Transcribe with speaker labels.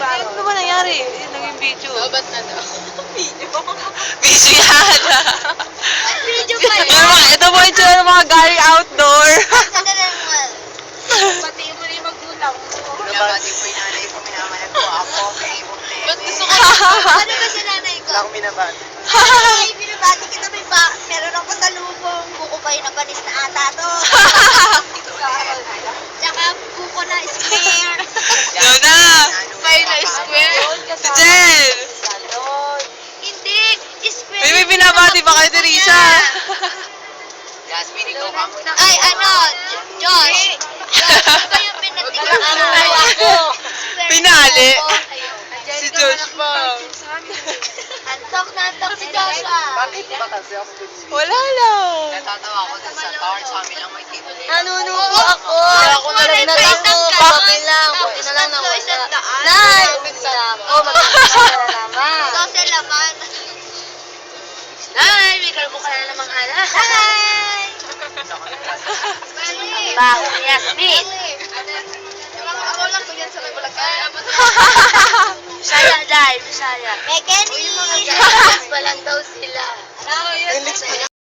Speaker 1: Ano ba nangyari? Naging video.
Speaker 2: Ba't na daw? Video?
Speaker 1: Video yan.
Speaker 3: Video pa yan.
Speaker 1: Ito po yung tsura ng mga galing outdoor.
Speaker 3: Pati mo na yung magulang mo.
Speaker 2: Pinabati ko yung nanay ko, minamayag ko ako. Ba't gusto ko?
Speaker 3: Ano ba sa nanay ko?
Speaker 2: Wala akong binabati.
Speaker 3: Ay, binabati kita meron ako sa lubong. Buko pa yung napanis na ata to. Tsaka buko na square.
Speaker 1: Yun na.
Speaker 2: File na square.
Speaker 1: Si Jen.
Speaker 3: Hindi, square.
Speaker 1: May binabati ba kayo, Teresa?
Speaker 2: Jasmine, ikaw ka muna.
Speaker 3: Ay, Josh. Josh, ba yung pinatigaan ako?
Speaker 1: Pinali. Si Josh pa.
Speaker 3: Antok na antok si Josh ah.
Speaker 2: Bakit ba kasi ako
Speaker 1: Wala lang.
Speaker 2: natatawa ako dun sa tower sa amin lang may tito.
Speaker 3: Nanunubo ako.
Speaker 2: Ako na lang
Speaker 3: Papi lang. Buti na lang nawala. Nay! Oh, magkakasya na naman. Sose laman.
Speaker 2: Nay, may kalbo ka na namang ala.
Speaker 3: Hi!
Speaker 2: Baho ni Yasmin.
Speaker 3: Ako lang ko yan sa may bulagay.
Speaker 2: Bisaya, Day, Bisaya.
Speaker 3: Mekeni!
Speaker 2: Pa lang daw sila.
Speaker 3: Ano yun?